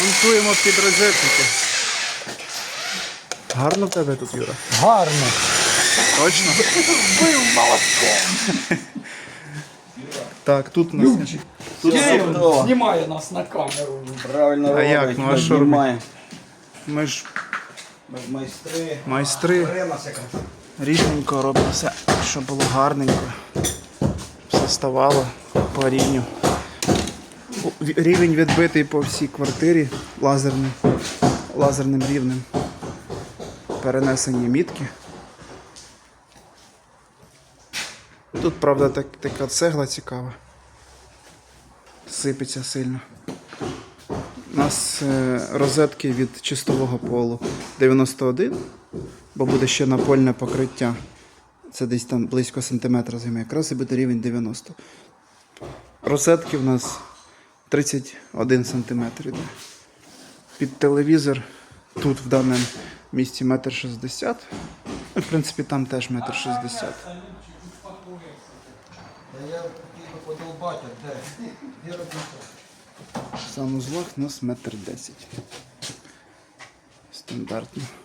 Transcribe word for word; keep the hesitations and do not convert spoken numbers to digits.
Монтуємо під розетники. Гарно в тебе тут, Юра? Гарно. Точно? Вбив молотком. Так, тут у нас... Тут знімає нас на камеру. Правильно А робить, як? Ну, а не що знімає. Ми ж Ми ж майстри. майстри. Бере нас якраз. Рівненько робимо все, щоб було гарненько. Все ставало по рівню. Рівень відбитий по всій квартирі лазерним, лазерним рівнем. Перенесені мітки. Тут, правда, так, така цегла цікава. Сипеться сильно. У нас е, розетки від чистового полу дев'яносто один, бо буде ще напольне покриття. Це десь там близько сантиметра займе. Якраз і буде рівень дев'яносто. Розетки в нас тридцять один сантиметр іде. Під телевізор тут в даному місці метр шістдесят. В принципі, там теж метр шістдесят. Я хотів подолбати, де? Де робити? Санузлах у нас метр десять. Стандартно.